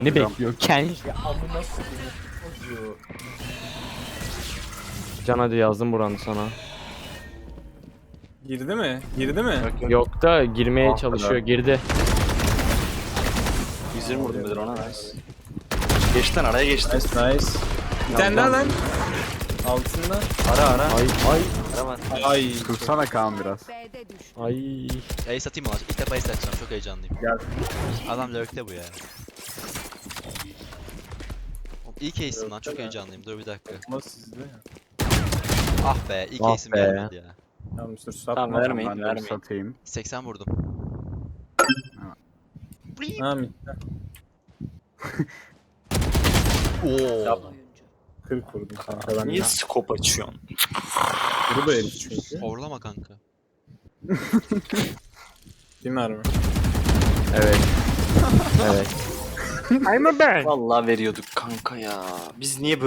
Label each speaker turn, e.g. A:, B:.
A: Ne bekliyor? Ken.
B: Ya amına koyayım çocuğu.
A: Can hadi yazdım buranı sana.
C: Girdi mi? Girdi mi?
A: Yok da girmeye
D: Ah,
A: çalışıyor.
D: helal.
A: Girdi.
D: 120 vurdum Bedir ona, nice. Geçti lan, araya geçti.
C: Nice nice. Bir tane daha lan. Altında.
D: Ara.
A: Ay ay
D: Ara var.
C: Ay.
E: Tutsana Kaan biraz.
F: B'de düştü.
A: ay.
G: Ace atayım mı lan? İlk defa ace atacağım. Çok heyecanlıyım.
C: Gel.
G: Adam lurk'te bu ya. Oğlum İlk ace'im lan. Çok heyecanlıyım. Dur bir dakika.
C: Ama sizde ya.
G: Ah be. İlk
A: Ah
G: ace'im
A: be.
G: gelmedi ya.
C: Tamam dur satma.
D: Tamam, vermeyin,
E: Ben de
D: vermeyin.
E: satayım.
G: 80 vurdum.
C: Ha mi?
G: Oo.
F: Oyuncu.
C: 40 vurdum kanka ben.
D: Niye scope açıyorsun?
C: Kuru da herif çünkü.
G: Horlama kanka.
C: Bir mermi.
A: Evet. Evet.
D: Vallahi veriyorduk kanka ya. Biz niye böyle